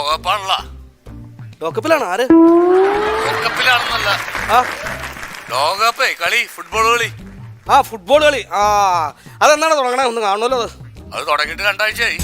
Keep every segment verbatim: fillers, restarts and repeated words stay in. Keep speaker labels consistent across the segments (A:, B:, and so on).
A: ലോകകപ്പാണല്ലോ.
B: ലോകകപ്പിലാണ്? ആര്
A: ലോകകപ്പിലാണെന്നല്ല, ലോകകപ്പേ കളി, ഫുട്ബോൾ കളി.
B: ആ ഫുട്ബോൾ കളി. ആ അതെന്താണ് തുടങ്ങണേ? ഒന്ന് കാണുമല്ലോ. അത്
A: അത് തുടങ്ങിയിട്ട് രണ്ടാഴ്ചയായി.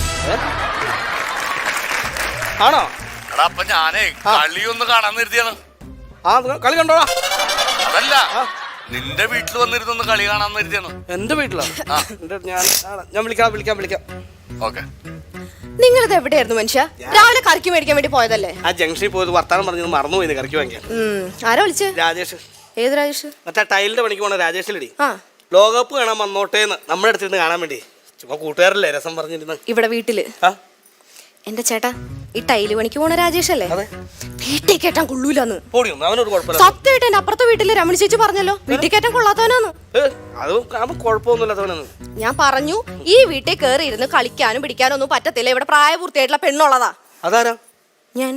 B: ആണോ?
A: എടാ അപ്പൊ ഞാനേ കളി ഒന്ന് കാണാൻ നിർത്തിയാണ്.
B: ആ കളി കണ്ടോടാ.
A: അതല്ല, നിന്റെ വീട്ടിൽ വന്നിരുന്നൊന്ന് കളി കാണാൻ നിർത്തിയാണ്.
B: എന്റെ വീട്ടിലോ? ഞാൻ ഞാൻ വിളിക്കാം വിളിക്കാം വിളിക്കാം
A: ഓക്കെ.
C: നിങ്ങളിത് എവിടെയായിരുന്നു മനുഷ്യ? രാവിലെ കറിക്ക് മേടിക്കാൻ വേണ്ടി പോയതല്ലേ?
B: ആ ജംഗ്ഷനിൽ പോയത് വർത്താനം പറഞ്ഞത് മറന്നുപോയി കറിക്ക് വാങ്ങിക്കാൻ.
C: ആരാ വിളിച്ചേ?
B: രാജേഷ്.
C: ഏത് രാജേഷ്?
B: മറ്റേ ടൈലിന്റെ പണിക്ക് പോണ രാജേഷിലടി.
C: ആ
B: ലോകകപ്പ് കാണാൻ വന്നോട്ടേന്ന് നമ്മുടെ അടുത്തിരുന്ന് കാണാൻ വേണ്ടി. ചുമ്മാ കൂട്ടുകാരല്ലേ രസം പറഞ്ഞിരുന്നു
C: ഇവിടെ വീട്ടില്. എന്റെ ചേട്ടാ, ഈ ടൈല് പണിക്ക് പോണ രാജേഷ് അല്ലേ? വീട്ടിൽ കയറ്റാൻ കൊള്ളൂലെന്ന്. സത്യമായിട്ട് എന്റെ അപ്പുറത്തെ വീട്ടില് രമണി ചേച്ചി പറഞ്ഞല്ലോ, വീട്ടിൽ കയറ്റാൻ കൊള്ളാത്തവനാന്ന്.
B: അത് കുഴപ്പമൊന്നുമില്ലാത്തവനാണ്.
C: ഞാൻ പറഞ്ഞു, ഈ വീട്ടിൽ കയറി ഇരുന്ന് കളിക്കാനും പിടിക്കാനും ഒന്നും പറ്റത്തില്ല, ഇവിടെ പ്രായപൂർത്തിയായിട്ടുള്ള പെണ്ണുള്ളതാ.
B: അതാരാ?
C: ഞാൻ.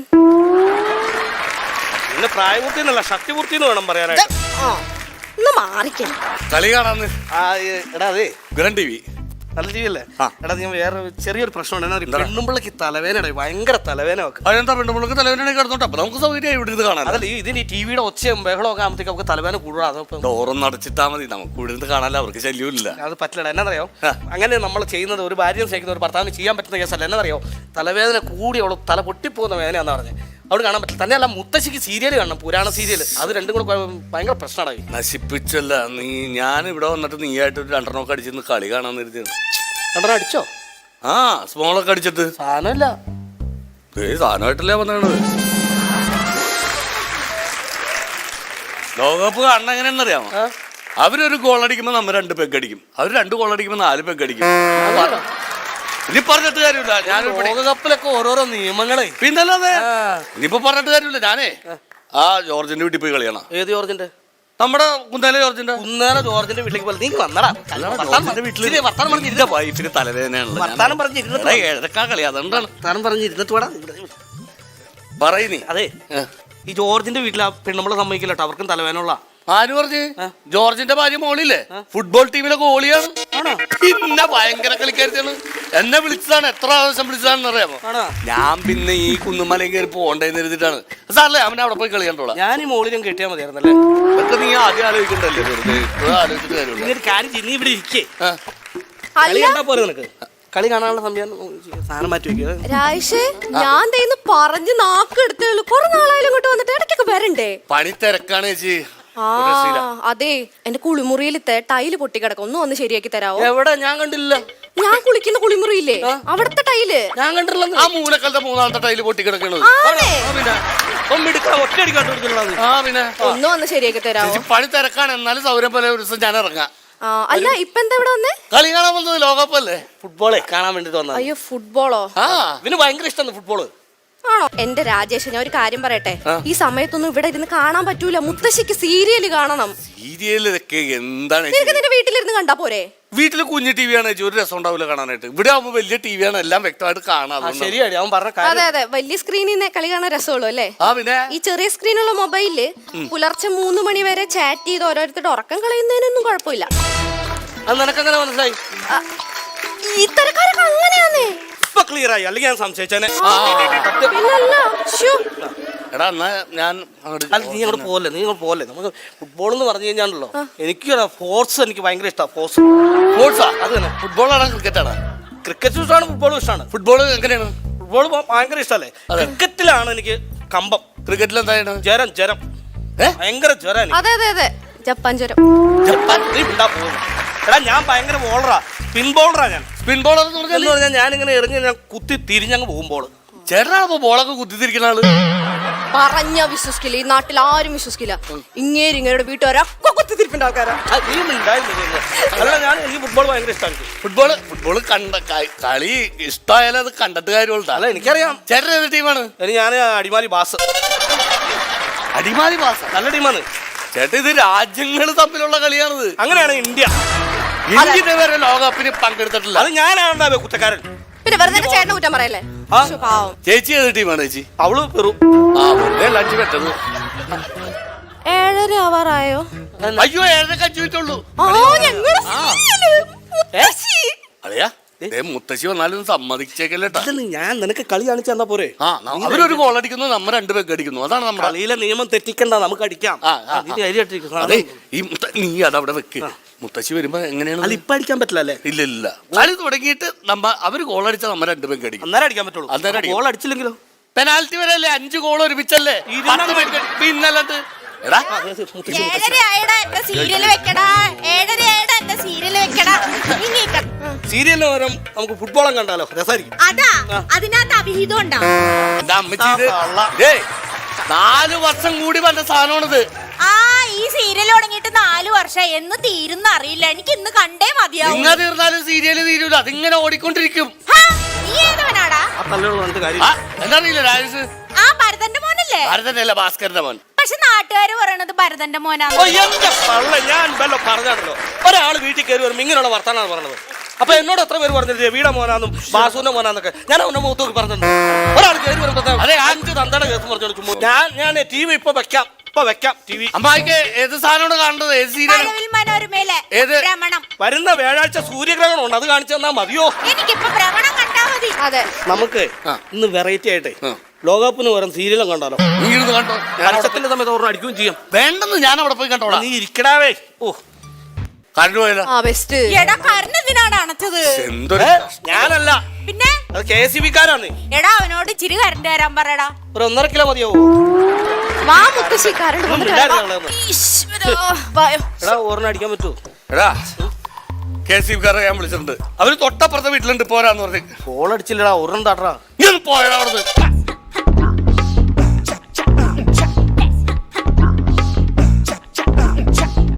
B: പിന്നെ പ്രായപൂർത്തി എന്നല്ല, ശക്തിപൂർത്തി എന്ന് വേണം പറയാനായിട്ട്.
C: ഒന്ന് മാറിക്കേ.
A: കളി കാണാന്ന്.
B: എടാ അതെ
A: ഗ്രൻ ടി വി
B: നല്ല ടി വി അല്ലേ? എടാ ഞാൻ വേറെ ചെറിയൊരു പ്രശ്നമുണ്ട്. പെണ്ണുമ്പിള്ളക്ക് തലവേന, ഭയങ്കര തലവേന വെക്കും.
A: അതെന്താ പെണ്ണുമ്പിള്ളക്ക് തലവേന കിടന്നോട്ടെ? അപ്പൊ നമുക്ക് സൗകര്യം ഇവിടെ ഇരുന്ന് കാണാൻ.
B: അതല്ല, ഇതിന് ഈ ടിവിയുടെ ഒച്ചയും ബഹളമൊക്കെ ആകുമ്പോഴത്തേക്ക് നമുക്ക് തലവേന കൂടുതലാ.
A: ഡോറൊന്നും അടച്ചിട്ടാ മതി, നമുക്ക് ഇവിടെ ഇരുന്ന് കാണാനല്ല, അവർക്ക് ശല്യമില്ല.
B: അത് പറ്റില്ല. എന്നറിയോ, അങ്ങനെ നമ്മൾ ചെയ്യുന്നത് ഒരു ഭാര്യയും സ്നേഹിക്കുന്ന ഒരു ഭർത്താവിന് ചെയ്യാൻ പറ്റുന്ന കേസല്ല. എന്നറിയോ, തലവേദന കൂടി അവൾ തല പൊട്ടിപ്പോകുന്ന വേദനയാണെന്ന് പറഞ്ഞത്. അവിടെ കാണാൻ പറ്റില്ല. തന്നെയല്ല, മുത്തശ്ശിക്ക് സീരിയൽ കാണണം, പുരാണ സീരിയൽ. അത് രണ്ടും കൂടെ ഭയങ്കര പ്രശ്നമാണ്.
A: നശിപ്പിച്ചല്ല നീ. ഞാൻ ഇവിടെ വന്നിട്ട് നീ ആയിട്ട് ഒരു രണ്ടെണ്ണമൊക്കെ അടിച്ചിരുന്ന് കളി കാണാൻ നിർത്തിയാണ്.
B: രണ്ടെണ്ണം അടിച്ചോ?
A: ആ സ്മോളൊക്കെ അടിച്ചിട്ട്.
B: സാധനമില്ല,
A: ഏ സാധനമായിട്ടല്ലേ വന്നത്. ലോകകപ്പ് കാണണം എങ്ങനെയാണെന്നറിയാമോ? അവരൊരു ഗോൾ അടിക്കുമ്പോൾ നമ്മൾ രണ്ട് പെഗ് അടിക്കും, അവർ രണ്ട് ഗോൾ അടിക്കുമ്പോൾ നാല് പെഗ് അടിക്കും. ഇനി പറഞ്ഞിട്ട് കാര്യമില്ല. ഞാൻ
B: ലോകകപ്പിലൊക്കെ ഓരോരോ നിയമങ്ങളെ.
A: പിന്നല്ലാതെ ഇനിയിപ്പോ പറഞ്ഞിട്ട് കാര്യമില്ല. ഞാനേ ആ ജോർജിന്റെ വീട്ടിൽ പോയി കളിയാണ്.
B: ഏത് ജോർജിന്റെ?
A: നമ്മുടെ കുന്നേല ജോർജിന്റെ.
B: കുന്നേല ജോർജിന്റെ വീട്ടിലേക്ക് പോലെ നീ വന്നടാ.
A: വീട്ടിലെ വൈഫിന് തലവേദനയാണല്ലോ.
B: വർത്താനം പറഞ്ഞിരുന്നിട്ട്
A: ഏഴക്കാ കളി, അതുകൊണ്ടാണ്
B: വർത്താനം പറഞ്ഞിരുന്നിട്ട് വേടാ
A: പറയുന്നേ.
B: അതെ, ഈ ജോർജിന്റെ വീട്ടിൽ ആ പെണ്ണുമ്പളെ സമ്മതിക്കില്ല കേട്ടോ, അവർക്കും തലവേനുള്ള.
A: ആര് പറഞ്ഞ്? ജോർജിന്റെ ഭാര്യ മോളില്ലേ, ഫുട്ബോൾ ടീമിലെ ഗോളിയാണ്. പിന്നെ ഭയങ്കര കളിക്കാരിയാണ്. എന്നെ വിളിച്ചതാണ്, എത്ര പ്രാവശ്യം വിളിച്ചതാണെന്ന് അറിയാമോ? ഞാൻ പിന്നെ ഈ കുന്നുമലയും കയറി പോകണ്ടെന്ന് എഴുതിട്ടാണ്. സാറല്ലേ അവനെ അവിടെ പോയി കളി കണ്ടോളാം.
B: ഞാൻ ഈ മോളിലും കെട്ടിയാൽ മതിയായിരുന്നല്ലേ?
A: അതൊക്കെ നീ ആദ്യം ആലോചിക്കണ്ടല്ലേ, വെറുതെ ആലോചിച്ചിട്ട് കാര്യമില്ല.
B: കാര്യം ചെയ്ത് നീ ഇവിടെ ഇരിക്കേ, കളി കണ്ടാ പോലെ നിനക്ക്. കളി കാണാനുള്ള സമയം സാധനം മാറ്റി വെക്കുക.
C: രാജേഷ്, ഞാൻ തേന്ന് പറഞ്ഞ് നാക്ക് എടുത്തുള്ളൂ. കുറെ നാളായാലും ഇങ്ങോട്ട് വന്നിട്ട് ഇടയ്ക്കൊക്കെ വരണ്ടേ?
A: പണി തിരക്കാണ് ചേച്ചി.
C: ആ അതെ, എന്റെ കുളിമുറിയിലത്തെ ടൈല് പൊട്ടിക്കിടക്കും, ഒന്ന് വന്ന് ശരിയാക്കി തരാവോ?
B: എവിടെ? ഞാൻ കണ്ടില്ല.
C: ഞാൻ കുളിക്കുന്ന കുളിമുറിയില്ലേ, അവിടുത്തെ ടൈല്
B: ഞാൻ കണ്ടില്ല.
A: ആ മൂലക്കാലത്തെ മൂന്നാമത്തെ ടൈല് പൊട്ടിക്കിടക്കണത്.
C: ഒന്ന് വന്ന് ശരിയാക്കി തരാവോ?
A: പണി തിരക്കാണ്, എന്നാലും സൗകര്യം പോലെ ഒരു ദിവസം ഞാൻ ഇറങ്ങാം.
C: അല്ല, ഇപ്പൊ എന്താ ഇവിടെ വന്നേ?
A: കളി കാണാൻ വന്നത്. ലോകകപ്പല്ലേ,
B: ഫുട്ബോളെ കാണാൻ വേണ്ടിട്ട് വന്നത്.
C: അയ്യോ, ഫുട്ബോളോ?
A: ആ
B: ഇതിന് ഭയങ്കര ഇഷ്ടമാണ് ഫുട്ബോള്.
C: ആണോ? എന്റെ രാജേഷ്, ഞാൻ ഒരു കാര്യം പറയട്ടെ, ഈ സമയത്തൊന്നും ഇവിടെ ഇരുന്ന് കാണാൻ പറ്റൂല. മുത്തശ്ശിക്ക് സീരിയല് കാണണം.
A: സീരിയലൊക്കെ എന്താണ്?
C: നിന്റെ വീട്ടിലിരുന്ന് കണ്ടാ പോരെ?
A: വീട്ടില് കുഞ്ഞു ടി വി ആണ്, ഒരു രസം ഉണ്ടാവില്ല കാണാനായിട്ട്. ഇവിടെ ആവുമ്പോ വലിയ ടി വി ആണ്, എല്ലാം വ്യക്തമായിട്ട് കാണാം.
B: ശരിയാണ് അവൻ പറഞ്ഞ.
C: അതെ അതെ, വലിയ സ്ക്രീനിൽ നിന്ന് കളി കാണാൻ രസമുള്ളൂ അല്ലേ?
A: ആ പിന്നെ
C: ഈ ചെറിയ സ്ക്രീനുള്ള മൊബൈലില് പുലർച്ചെ മൂന്ന് മണി വരെ ചാറ്റ് ചെയ്ത് ഓരോരുത്തരുടെ ഉറക്കം കളയുന്നതിനൊന്നും കുഴപ്പമില്ല.
B: അത് നിനക്കെങ്ങനെ മനസ്സിലായി?
C: ഇത്തരക്കാരൊക്കെ അങ്ങനെയാന്നേ.
B: ഇപ്പൊ ക്ലിയർ ആയി, അല്ലെങ്കിൽ ഞാൻ സംശയിച്ചേനെ.
A: എടാ എന്നാ ഞാൻ
B: നീ അങ്ങോട്ട് പോലെ നീ അങ്ങോട്ട് പോലെ നമുക്ക് ഫുട്ബോൾ എന്ന് പറഞ്ഞു കഴിഞ്ഞാണല്ലോ, എനിക്ക് ഫോഴ്സ് എനിക്ക് ഭയങ്കര ഇഷ്ടമാണ്. ഫോഴ്സ്
A: സ്പോർട്സാ? അത് തന്നെ. ഫുട്ബോളാണ് ക്രിക്കറ്റാണ്?
B: ക്രിക്കറ്റ് ഇഷ്ടമാണ്, ഫുട്ബോളും ഇഷ്ടമാണ്.
A: ഫുട്ബോൾ എങ്ങനെയാണ്?
B: ഫുട്ബോൾ ഭയങ്കര ഇഷ്ടമല്ലേ? ക്രിക്കറ്റിലാണ് എനിക്ക് കമ്പം.
A: ക്രിക്കറ്റിൽ എന്താണ്?
B: ജ്വരം ജ്വരം ഭയങ്കര ജ്വരം.
C: അതെ അതെ അതെ, ജപ്പാൻ ജ്വരം.
B: ജപ്പാൻ ഉണ്ടാ പോകുന്നു. എടാ ഞാൻ ഭയങ്കര ബോളറാ, സ്പിൻ ബോളറാ. ഞാൻ
A: സ്പിൻ ബോളർ എന്ന്
B: പറഞ്ഞാൽ ഞാനിങ്ങനെ എറിഞ്ഞ് ഞാൻ കുത്തി തിരിഞ്ഞങ്ങ് പോകുമ്പോൾ.
A: ചേട്ടനാണപ്പോ ബോളൊക്കെ കുത്തിത്തിരിക്കുന്ന ആള്?
C: പറഞ്ഞ വിശ്വസിക്കില്ല, ഈ നാട്ടിൽ ആരും വിശ്വസിക്കില്ല. ഇങ്ങേര് ഇങ്ങയുടെ വീട്ടുകാരൊക്കെ കുത്തിത്തിരിപ്പിന്റെ ആൾക്കാരാ.
B: അല്ല ഞാൻ എനിക്ക് ഫുട്ബോൾ ഭയങ്കര ഇഷ്ടമാണ്.
A: ഫുട്ബോള് ഫുട്ബോള് കണ്ട കളി ഇഷ്ടമായാലും അത് കണ്ടിട്ട് കാര്യമുള്ള.
B: അല്ല എനിക്കറിയാം.
A: ചേട്ടൻ ഏത് ടീമാണ്?
B: ഞാൻ അടിമാലി ബാസ്.
A: അടിമാലി ബാസ്
B: നല്ല ടീമാണ്
A: ചേട്ടൻ. ഇത് രാജ്യങ്ങൾ തമ്മിലുള്ള കളിയാണിത്.
B: അങ്ങനെയാണ് ഇന്ത്യ.
A: ഇന്ത്യ ഇതുവരെ ലോകകപ്പിന് പങ്കെടുത്തിട്ടില്ല.
B: അത് ഞാനാണ് കുറ്റക്കാരൻ.
C: പിന്നെ വെറുതെ ചേട്ടനെ കുറ്റം പറയല്ലേ?
A: ചേച്ചി ഏത് ടീമാണ് ചേച്ചി?
B: അവള് പെറു.
A: ആ വെറുതെ ലഞ്ച് പെട്ടത്.
C: ഏഴര ആവാറായോ?
A: അയ്യോ ഏഴര അഞ്ചു മിനിറ്റുള്ളൂ.
C: അളിയാ
A: ദേ മുത്തശ്ശി വന്നാലും സമ്മതിച്ചേക്കല്ലേട്ടാ.
B: ഇല്ലെന്ന് ഞാൻ നിനക്ക് കളി കാണിച്ചു തന്നാ പോരെ.
A: ആ ന- അവരൊരു ഗോൾ അടിക്കുന്നു, നമ്മ രണ്ടു പേർക്ക് അടിക്കുന്നു. അതാണ് നമ്മുടെ
B: കളിയിലെ നിയമം തെറ്റിക്കണ്ട, നമുക്ക് അടിക്കാം.
A: ആ, ആ,
B: ഇതിന്റെ അരി ഇട്ടിരിക്കുന്നു.
A: അതെ. ഈ മുത്ത- നീ അതവിടെ വെക്ക്. മുത്തശ്ശി വരുമ്പോ എങ്ങനെയാണ്?
B: അല്ല ഇപ്പൊ അടിക്കാൻ പറ്റില്ല അല്ലേ?
A: ഇല്ല ഇല്ല, കളി തുടങ്ങിയിട്ട് നമ്മ അവര് ഗോൾ അടിച്ചാൽ നമ്മ രണ്ടു പേർക്ക് അടിക്കും.
B: അന്നേരം അടിക്കാൻ പറ്റുള്ളൂ.
A: അന്നേരം അടിക്കും.
B: ഗോൾ അടിച്ചില്ലെങ്കിലോ?
A: പെനാൽറ്റി വരെ അല്ലേ അഞ്ചു ഗോൾ ഒരുമിച്ചല്ലേ? പത്ത് പേർക്ക് അടി- പിന്നല്ലാണ്ട് എടാ
C: ഏഴര ആയടാ എന്റെ സീരിയല് വെക്കടാ. ഏഴര ആയടാ എന്റെ സീരിയല് വെക്കടാ. ഇങ്ങേക്ക.
B: സീരിയലിന് പകരം നമുക്ക് ഫുട്ബോളം കണ്ടാലോ? രസമായിരിക്കും.
C: അതാ അതിനകത്ത് അഭിഹിതം ഉണ്ടാ.
A: എന്റെ അമ്മച്ചി ഇത് ഏയ് നാല് വർഷം കൂടി വന്ന സാധനമാണിത്.
C: ആ ഈ സീരിയൽ തുടങ്ങിയിട്ട് നാലു വർഷം എന്ന് തീരുന്ന അറിയില്ല. എനിക്ക് ഇന്ന് കണ്ടേ മതിയാവും.
A: ഇങ്ങനെ തീർന്നാലും സീരിയല് തീരൂല, അതിങ്ങനെ ഓടിക്കൊണ്ടിരിക്കും.
C: ഹാ, നീ ഏതവനാടാ?
B: ആ തല്ലുകൾ കണ്ടിട്ട് കാര്യം.
A: ആ, എന്താറിയില്ല രാജേഷ്?
C: ആ ഭരതന്റെ മോനല്ലേ?
A: ഭാരതന്റെ അല്ല, ഭാസ്കരന്റെ മോൻ.
C: പക്ഷെ നാട്ടുകാര് പറയണത് ഭരതന്റെ മോനാണ്.
B: ഓ, എന്റെ പള്ള, ഞാൻ വല്ലോ പറഞ്ഞാണല്ലോ. ഒരാൾ വീട്ടിൽ കയറി വരുമ്പോൾ ഇങ്ങനെയുള്ള വർത്താനാണ് പറഞ്ഞത്. അപ്പൊ എന്നോട് എത്ര പേര് പറഞ്ഞിട്ട് രവിയുടെ മോനാന്നും ബാസുവിന്റെ മോനാന്നൊക്കെ ഞാൻ അവന്റെ മുഖത്ത് നോക്കി പറഞ്ഞിട്ടുണ്ട്. ഒരാൾ കയറി വരുമ്പോ അതെ അഞ്ച് തന്തയുടെ കേസ് പറഞ്ഞു ചുമ്മാ. ഞാൻ ഞാൻ ടി വി ഇപ്പൊ വെക്കാം, ഇപ്പൊ വെക്കാം ടി വി.
A: അമ്മായിക്ക് ഏത് സാധനമാണ് കാണേണ്ടത്? ഏത് സീരിയൽ?
C: മഴവിൽ മനോരമയിലെ
A: ഏത്?
C: ഭ്രമണം.
B: വരുന്ന വ്യാഴാഴ്ച സൂര്യഗ്രഹണം ഉണ്ട്, അത് കാണിച്ചു തന്നാ മതിയോ?
C: എനിക്കിപ്പോ ഭ്രമണം കണ്ടാ മതി. അതെ,
B: നമുക്ക്
A: ആ.
B: ഇന്ന് വെറൈറ്റി ആയിട്ടേ
A: ആ.
B: ലോകകപ്പിന് പകരം സീരിയലും കണ്ടോ?
A: നീ ഇരുന്ന് കണ്ടോ?
B: പരസ്യത്തിന്റെ സമയത്ത് ഓർമ്മ അടിക്കുകയും ചെയ്യാം.
A: വേണ്ടെന്ന് ഞാൻ അവിടെ പോയി കണ്ടോളാം.
B: നീ ഇരിക്കടാവേ. ഓ,
A: കറണ്ട് പോയല്ലോ.
C: എടാ കരണെന്തിനാണ് അണച്ചത്?
A: എന്തൊരു
B: ഏ? ഞാനല്ല,
C: പിന്നെ
B: അത് കെ എസ് ഇ ബിക്കാരാണ്.
C: എടാ അവനോട് ഇച്ചിരി കരണ്ട് തരാൻ പറയടാ.
B: ഒരു ഒന്നര കിലോ മതിയാവോ?
C: വാ മുത്തശ്ശി കരണ്ട്
B: ഒന്നും ഇല്ലായിരുന്നു അവിടെ ഒന്നും.
C: വായോ.
B: എടാ ഓർമ്മ അടിക്കാൻ പറ്റുമോ?
A: എടാ കെ സി ബിക്കാരെ ഞാൻ വിളിച്ചിട്ടുണ്ട്. അവര് തൊട്ടപ്പുറത്തെ വീട്ടിലുണ്ട്, പോരാന്ന് പറഞ്ഞു.
B: ഗോൾ അടിച്ചില്ലടാ, ഒരെണ്ണം താട്ടറാ.
A: നീ ഒന്ന് പോയടാ അവിടുന്ന്.